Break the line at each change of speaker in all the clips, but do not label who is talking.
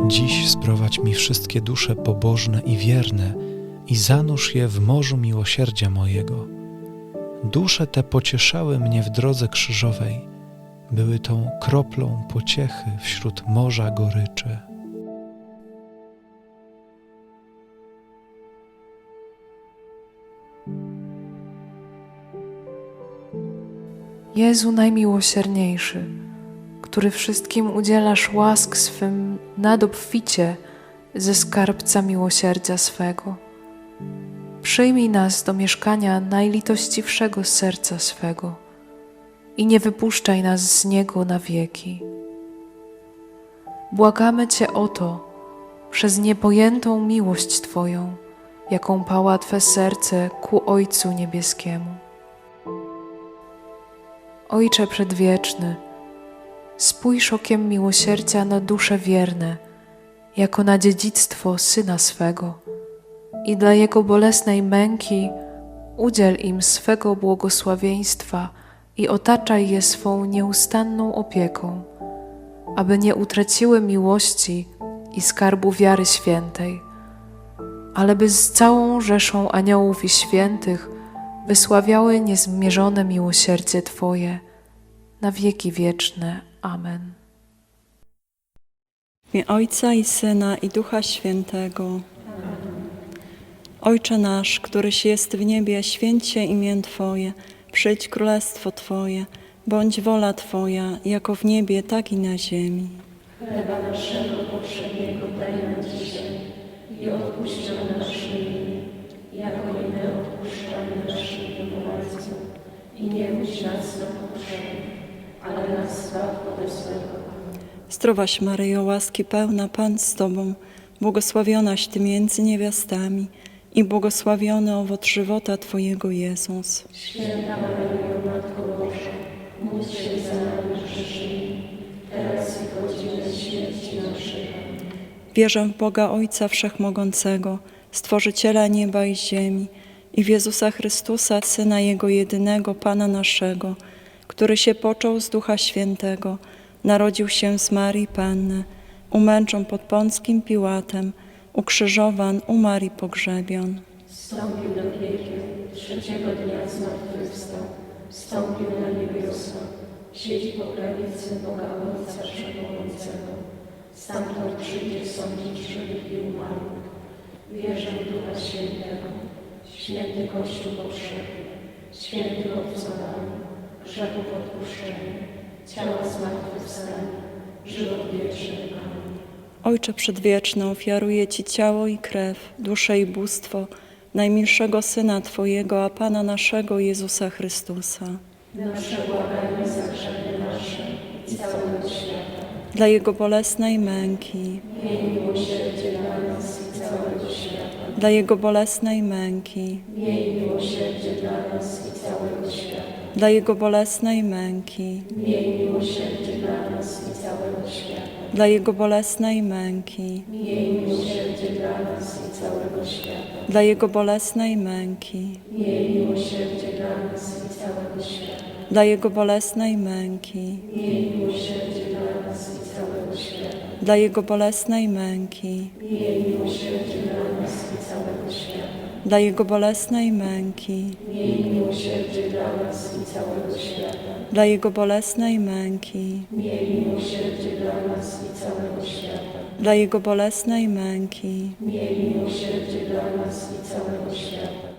Dziś sprowadź mi wszystkie dusze pobożne i wierne i zanurz je w morzu miłosierdzia mojego. Dusze te pocieszały mnie w drodze krzyżowej, były tą kroplą pociechy wśród morza goryczy.
Jezu najmiłosierniejszy, który wszystkim udzielasz łask swym nadobficie ze skarbca miłosierdzia swego, przyjmij nas do mieszkania najlitościwszego serca swego i nie wypuszczaj nas z niego na wieki. Błagamy Cię o to przez niepojętą miłość Twoją, jaką pała Twe serce ku Ojcu Niebieskiemu. Ojcze Przedwieczny, spójrz okiem miłosierdzia na dusze wierne, jako na dziedzictwo Syna swego i dla Jego bolesnej męki udziel im swego błogosławieństwa i otaczaj je swą nieustanną opieką, aby nie utraciły miłości i skarbu wiary świętej, ale by z całą rzeszą aniołów i świętych wysławiały niezmierzone miłosierdzie Twoje na wieki wieczne. Amen.
W imię Ojca i Syna i Ducha Świętego. Ojcze nasz, któryś jest w niebie, święć się imię Twoje, przyjdź królestwo Twoje, bądź wola Twoja, jako w niebie, tak i na ziemi.
Chleba naszego powszedniego daj nam dzisiaj i odpuść nam nasze winy, jako i my odpuszczamy naszym winowajcom. I nie wódź nas na pokuszenie, ale nas zbaw ode złego.
Zdrowaś Maryjo, łaski pełna, Pan z Tobą, błogosławionaś Ty między niewiastami i błogosławiony owoc żywota Twojego, Jezus.
Święta Maryjo, Matko Boża, módl się za nami grzesznymi, teraz i w godzinę śmierci naszej.
Wierzę w Boga Ojca Wszechmogącego, Stworzyciela nieba i ziemi, i w Jezusa Chrystusa, Syna Jego jedynego, Pana naszego, który się począł z Ducha Świętego, narodził się z Marii Panny, umęczon pod Pąckim Piłatem, ukrzyżowan, umarł i pogrzebion.
Wstąpił do piekieł, trzeciego dnia zmartwychwstał, wstąpił na niebiosa, siedzi po prawicy Boga Ojca Wszechmogącego. Stamtąd przyjdzie sądzić żywych i umarłych. Wierzę w Ducha Świętego, święty Kościół powszechny, świętych obcowanie, grzechów odpuszczenie, ciała zmartwychwstanie, żywot wieczny. Amen.
Ojcze Przedwieczny, ofiaruję Ci ciało i krew, duszę i bóstwo najmilszego Syna Twojego, a Pana naszego Jezusa Chrystusa.
Nasze błaganie za grzechy nasze i całego świata.
Dla Jego bolesnej męki,
Miej miłosierdzie dla nas i całego świata.
dla Jego bolesnej męki,
Miej miłosierdzie dla nas i całego świata.
dla Jego bolesnej męki,
Miej miłosierdzie dla nas i całego świata.
dla Jego bolesnej męki,
Miej miłosierdzie dla nas i całego świata.
dla Jego bolesnej męki,
Miej miłosierdzie dla nas i całego świata.
dla Jego bolesnej męki,
Miej miłosierdzie dla nas i całego świata.
dla Jego bolesnej męki,
Miej miłosierdzie dla nas i całego świata.
dla Jego bolesnej męki,
Miej miłosierdzie dla nas i całego świata.
dla Jego bolesnej męki,
Miej miłosierdzie dla nas i całego świata.
dla Jego bolesnej męki.
Miej miłosierdzie dla nas i całego świata.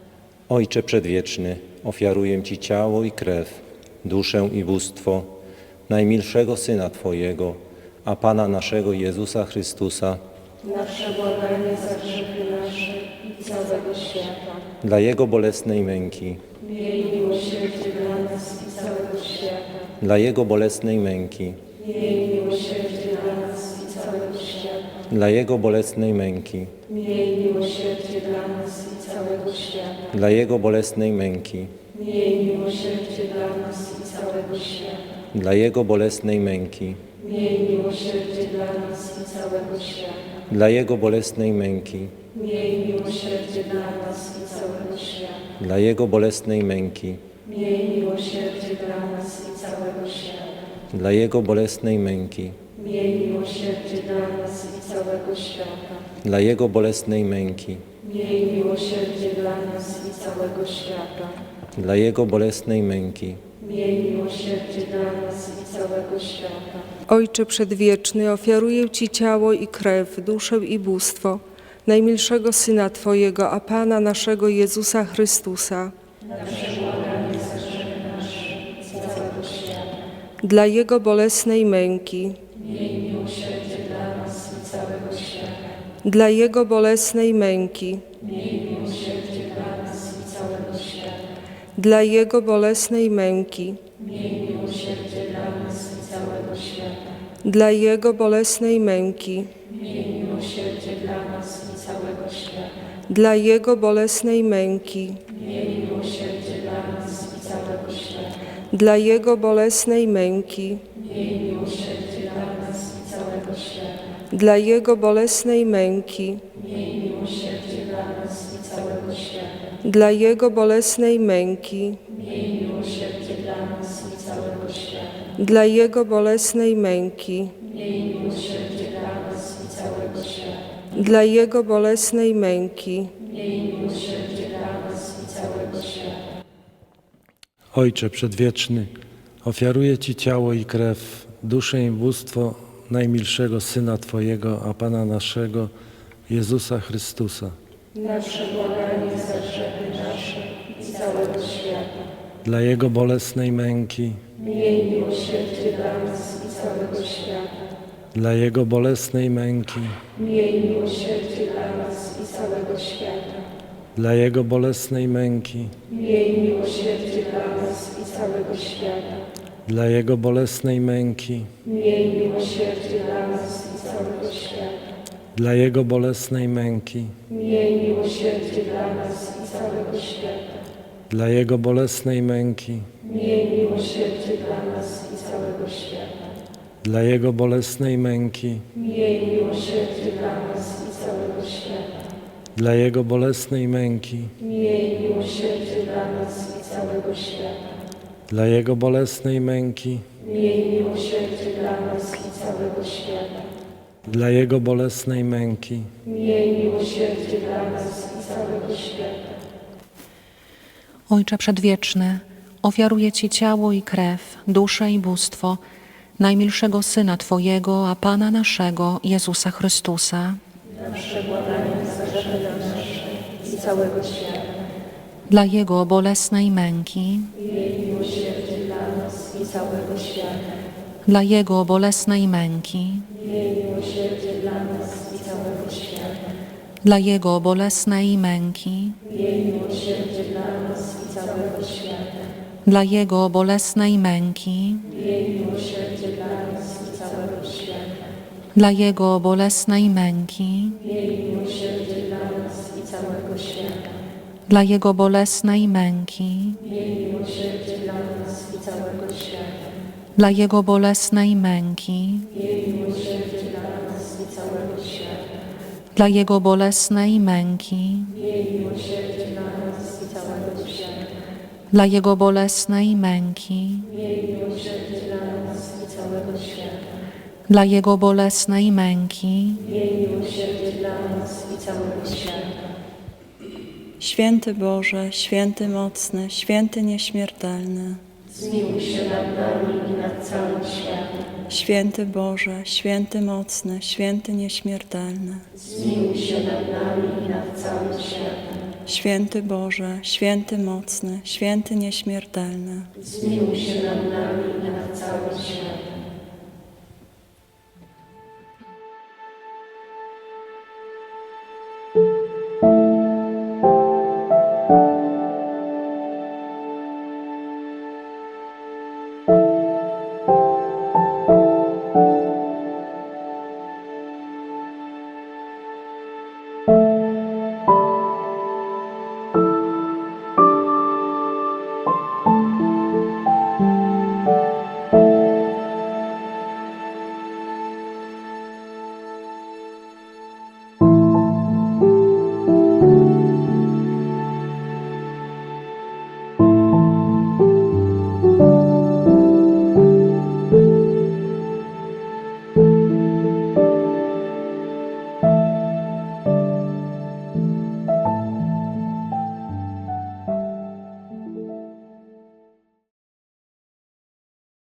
Ojcze Przedwieczny, ofiaruję Ci ciało i krew, duszę i bóstwo najmilszego Syna Twojego, a Pana naszego Jezusa Chrystusa,
Nasze błaganie za grzechy nasze i całego świata.
dla Jego bolesnej męki,
Miej miłosierdzie dla nas i całego świata.
dla Jego bolesnej męki,
Miej miłosierdzie dla nas i całego świata.
dla Jego bolesnej męki,
Miej miłosierdzie dla nas i całego świata.
dla Jego bolesnej męki,
Miej miłosierdzie dla nas i całego świata.
dla Jego bolesnej męki,
Miej miłosierdzie dla nas i całego świata.
dla Jego bolesnej męki,
Miej miłosierdzie dla nas i całego świata.
dla Jego bolesnej męki,
Miej miłosierdzie dla nas i całego świata.
dla Jego bolesnej męki,
Miej miłosierdzie dla nas i
całego świata.
dla Jego bolesnej męki,
Miej miłosierdzie dla nas i całego świata.
dla Jego bolesnej męki,
Miej miłosierdzie dla nas i całego świata.
Ojcze Przedwieczny, ofiaruję Ci ciało i krew, duszę i bóstwo najmilszego Syna Twojego, a Pana naszego Jezusa Chrystusa, dla Jego bolesnej męki, dla Jego bolesnej męki, dla Jego bolesnej męki, dla Jego bolesnej męki, dla Jego bolesnej męki, dla Jego bolesnej męki, dla Jego bolesnej męki, dla Jego bolesnej męki, dla Jego bolesnej męki, dla Jego bolesnej męki.
Ojcze Przedwieczny, ofiaruję Ci ciało i krew, duszę i bóstwo najmilszego Syna Twojego, a Pana naszego, Jezusa Chrystusa, dla Jego bolesnej męki, dla Jego bolesnej męki, dla Jego bolesnej męki, dla Jego bolesnej męki, dla Jego bolesnej męki, dla Jego bolesnej męki, dla Jego bolesnej męki, dla Jego bolesnej męki, dla Jego bolesnej męki, dla Jego bolesnej męki.
Ojcze Przedwieczny, ofiaruję Ci ciało i krew, duszę i bóstwo najmilszego Syna Twojego, a Pana naszego, Jezusa Chrystusa,
I całego świata.
dla Jego bolesnej męki,
I całego świata.
dla Jego bolesnej męki, dla Jego bolesnej męki, dla Jego bolesnej męki, dla Jego bolesnej męki, dla Jego bolesnej męki, dla Jego bolesnej męki, dla Jego bolesnej męki, dla Jego bolesnej męki, dla Jego bolesnej męki,
Święty Boże, święty mocny, święty nieśmiertelny.
Zmiłuj się nad nami i nad całym światem.
Święty Boże, święty mocny, święty nieśmiertelny.
Zmiłuj się nad nami i nad całym światem.
Święty Boże, święty mocny, święty nieśmiertelny.
Zmiłuj się nad nami i nad całym światem.